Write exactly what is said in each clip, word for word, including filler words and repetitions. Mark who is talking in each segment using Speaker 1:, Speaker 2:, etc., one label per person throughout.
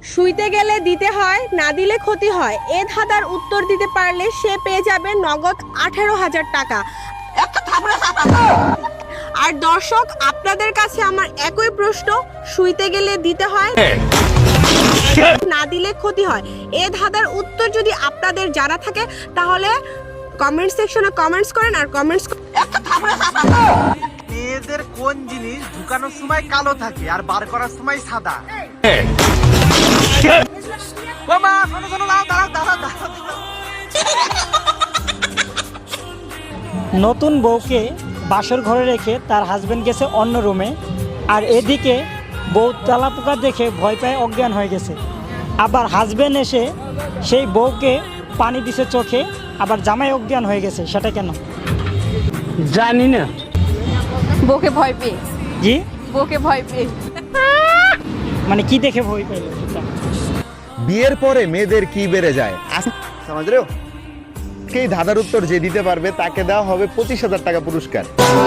Speaker 1: শুইতে গেলে দিতে হয়, না দিলে ক্ষতি হয়। এ ধাঁধার উত্তর দিতে পারলে সে পেয়ে যাবে নগদ আঠারো হাজার টাকা। আর দর্শক, আপনাদের কাছে আমার একই প্রশ্ন, শুইতে গেলে দিতে হয়, না দিলে ক্ষতি হয়। এ ধাঁধার উত্তর যদি আপনাদের জানা থাকে তাহলে কমেন্ট সেকশনে কমেন্টস করেন। আর কমেন্টস
Speaker 2: মেয়েদের কোন জিনিস ঢুকানোর সময় কালো থাকে আর বার করার সময় সাদা? বাবা শোনো শোনো, দাঁড়াও দাঁড়াও দাঁড়াও দাঁড়াও।
Speaker 3: নতুন বউকে বাসর ঘরে রেখে তার হাজবেন্ড গেছে অন্য রুমে, আর এদিকে বউ তেলাপোকা দেখে ভয় পায় অজ্ঞান হয়ে গেছে। আবার হাজবেন্ড এসে সেই বউকে পানি দিছে চোখে, আবার জামাই অজ্ঞান হয়ে গেছে, সেটা কেন?
Speaker 4: জানি না।
Speaker 1: বউকে ভয় পেয়ে
Speaker 3: জি,
Speaker 1: বউকে ভয় পেয়ে
Speaker 3: মানে কি দেখে ভয় পাইল?
Speaker 5: বিয়ের পরে মেয়েদের কি বেড়ে যায়? সমাজ রে এই ধাঁধার উত্তর যে দিতে পারবে তাকে দেওয়া হবে পঁচিশ হাজার টাকা পুরস্কার।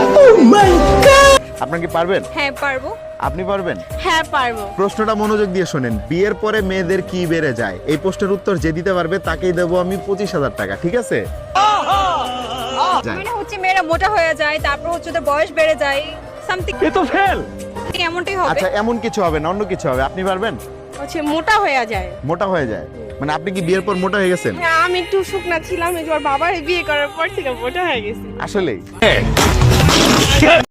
Speaker 5: আপনার কি পারবেন?
Speaker 1: হ্যাঁ পারবো।
Speaker 5: আপনি পারবেন?
Speaker 1: হ্যাঁ পারবো।
Speaker 5: প্রশ্নটা মনোযোগ দিয়ে শোনেন। বিয়ের পরে মেয়েদের কি বেড়ে যায়, এই প্রশ্নের উত্তর যে দিতে পারবে তাকেই দেবো আমি পঁচিশ হাজার টাকা। ঠিক আছে?
Speaker 1: মানে হচ্ছে মেয়েরা মোটা হয়ে যায়, তারপর হচ্ছে ওদের বয়স বেড়ে যায়, সামথিং।
Speaker 4: এ তো ফেল।
Speaker 1: এমনটাই হবে।
Speaker 5: আচ্ছা, এমন কিছু হবে না, অন্য কিছু হবে। আপনি পারবেন?
Speaker 1: হচ্ছে মোটা হয়ে যায়।
Speaker 5: মোটা হয়ে যায় মানে আপনি কি বিয়ের পর মোটা হয়ে গেছেন?
Speaker 1: হ্যাঁ, আমি একটু শুকনা ছিলাম, এবার বাবার বিয়ে করার পর থেকে মোটা হয়ে গেছি।
Speaker 5: আসলেই